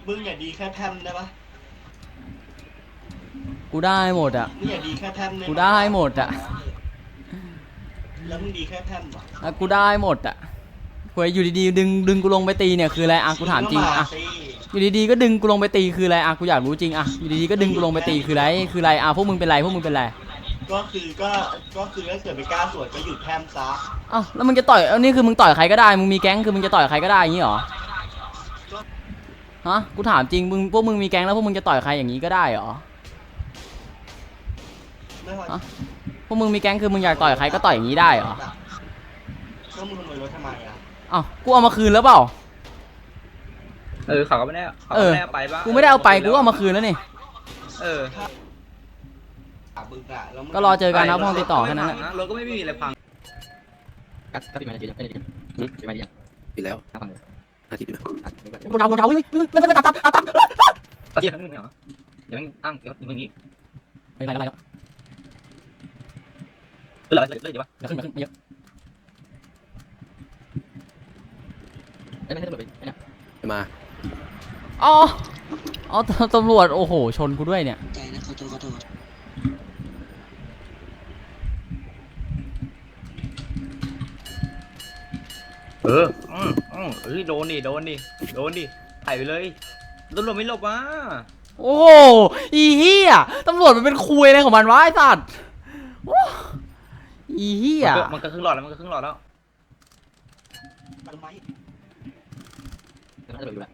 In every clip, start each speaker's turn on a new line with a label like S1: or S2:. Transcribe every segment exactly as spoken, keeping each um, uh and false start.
S1: มึงอย่าดีแค่แทมได้ปะ
S2: กูได้หมดอ่ะ
S1: มึงอย่าดีแค่แทม
S2: กูได้หมดอ่ะ
S1: แล้วมึงดีแค่แทมหรอ
S2: กูได้หมดอ่ะคุยอยู่ดีๆดึงดึงกูลงไปตีเนี่ยคืออะไรอ่ะกูถามจริงอ่ะอยู่ดีๆก็ดึงกูลงไปตีคืออะไรอ่ะกูอยากรู้จริงอ่ะอยู่ดีๆก็ดึงกูลงไปตีคืออะไรคืออะไรอ่ะพวกมึงเป็นไรพวกมึงเป็นไร
S1: ก็คือก็ก็คือถ้าเกิดไม่กล้าสวนก็หยุดแทมซะ
S2: อ้าวแล้วมึงจะต่อยเอานี่คือมึงต่อยใครก็ได้มึงมีแก๊งคือมึงจะต่อยใครก็ได้อย่างนี้เหรอฮะกูถามจริงมึงพวกมึงมีแก๊งแล้วพวกมึงจะต่อยใครอย่างนี้ก็ได้เหรอฮะพวกมึงมีแก๊งคือมึงอยากต่อยใครก็ต่อยอย่างนี้ได้เหรอ
S1: ก็มึงขโมยรถทำไมอ่ะ
S2: อ้าวกูเอามาคืนแล้วเปล่า
S3: เออเขาก็ไม่ได้เขาไม่ได้ไปบ้าง
S2: กูไม่ได้เอาไปกูเอามาคืนแล้วนี่
S3: เออ
S2: ก็รอเจอกันนะห้องติดต่อแค่นั้นแหละ
S3: รถก็ไม่มีอะไรพัง
S4: ก็ก็ปิดมาจะปิดปิดปิดมาดิปิดแล้วห้าพันอาทิตย์เดียว
S2: กูเอากูเอาเฮ้ยไม่ไม่ไม่ตัดตัดตัดตัด
S3: ตะเกียบนึงเหรอเดี๋ยวมันตั้งเดี๋ยวมันนี้
S2: ไม่ไรอะไร
S3: เออเลยเลยเดี๋ยววะ
S2: เดี๋ยวขึ้นมาขึ้นมาเยอะ
S4: ไม่ไม่ได้ตำรวจไปเนี่ยมา
S2: อ๋ออ๋อตำรวจโอ้โหชนกูด้วยเนี่ย
S1: ใจนะขอโทษขอโทษ
S3: เอออืมอืมเฮ้ยโดนดิโดนดิโดนดิถ่ายไปเลยตำรวจไม่หลบวะ
S2: โอ้โหอีเหี้ยตำรวจมันเป็นคุยอะไรของมันวะไอ้สัตว์อีเหี้ย
S3: มันก็ครึ่งหลอดแล้วมันก็ครึ่งหลอดแล้ว
S1: มันไม่
S4: ตำรวจอยู่แล้ว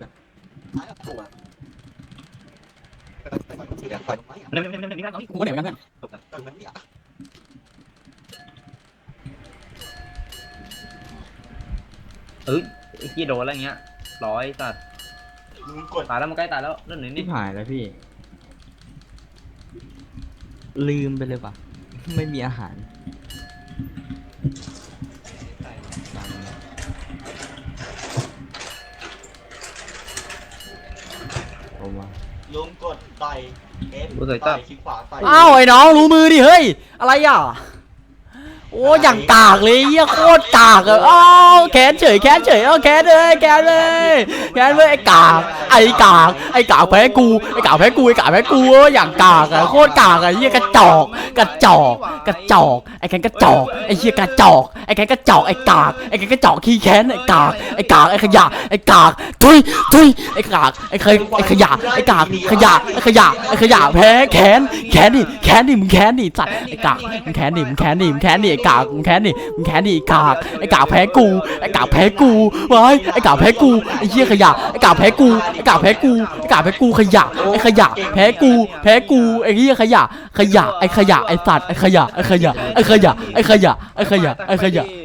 S3: เนี่ยเนี่ยเนี่ยเนี่ย
S2: กูก็เหนียวกันเพื่อน
S3: เออไอ้กี้โดนอะไรเงี้ยร้อยสัตว์ตายแล้วมันใกล้ตายแล้วเรื่องไหนนี่
S5: หายแล้วพี่ลืมไปเลยว่ะไม่มีอาหาร
S1: ลุงกดต่อยเอฟต่อยคลิกขวาต่อย
S2: อ้าวไอ้น้องรู้มือดิเฮ้ยอะไรอ่ะโอ้อย่างกากเลยเหี้ยโคตรกากอ่ะอ้าวแขนเฉยแขนเฉยอ้าวแขนเลยแขนเลยแขนเลยไอ้กากไอ้กากไอ้กากแพ้กูไอ้กากแพ้กูไอ้กากแพ้กูอย่างกากอ่ะโคตรกากอ่ะเหี้ยกระจอกกระจอกกระจอกไอ้แขนกระจอกไอ้เหี้ยกระจอกไอ้แขนกระจอกไอ้กากไอ้แขนกระจอกขี้แขนไอ้กากไอ้กากไอ้ขยะไอ้กากทุยทุยไอ้กากไอ้เคยไอ้ขยะไอ้กากขยะไอ้ขยะไอ้ขยะแพ้แขนแขนดิแขนดิมึงแขนดิสัตว์ไอ้กากมึงแขนดิมึงแขนดิมึงแขนดิไอ้กากมึงแขนดิมึงแขนดิไอ้กากไอ้กากแพ้กูไอ้กากแพ้กูไว้ไอ้กากแพ้กูไอ้เหี้ยขยะไอ้กากแพ้กูไอ้กากแพ้กูไอ้กากแพ้กูขยะไอ้ขยะแพ้กูแพ้กูไอ้เหี้ยขยะขยะไอ้ขยะไอ้สัตว์ไอ้ขยะไอ้ขยะไอ้ขยะไอ้ขยะไอ้ขยะไอ้ขยะ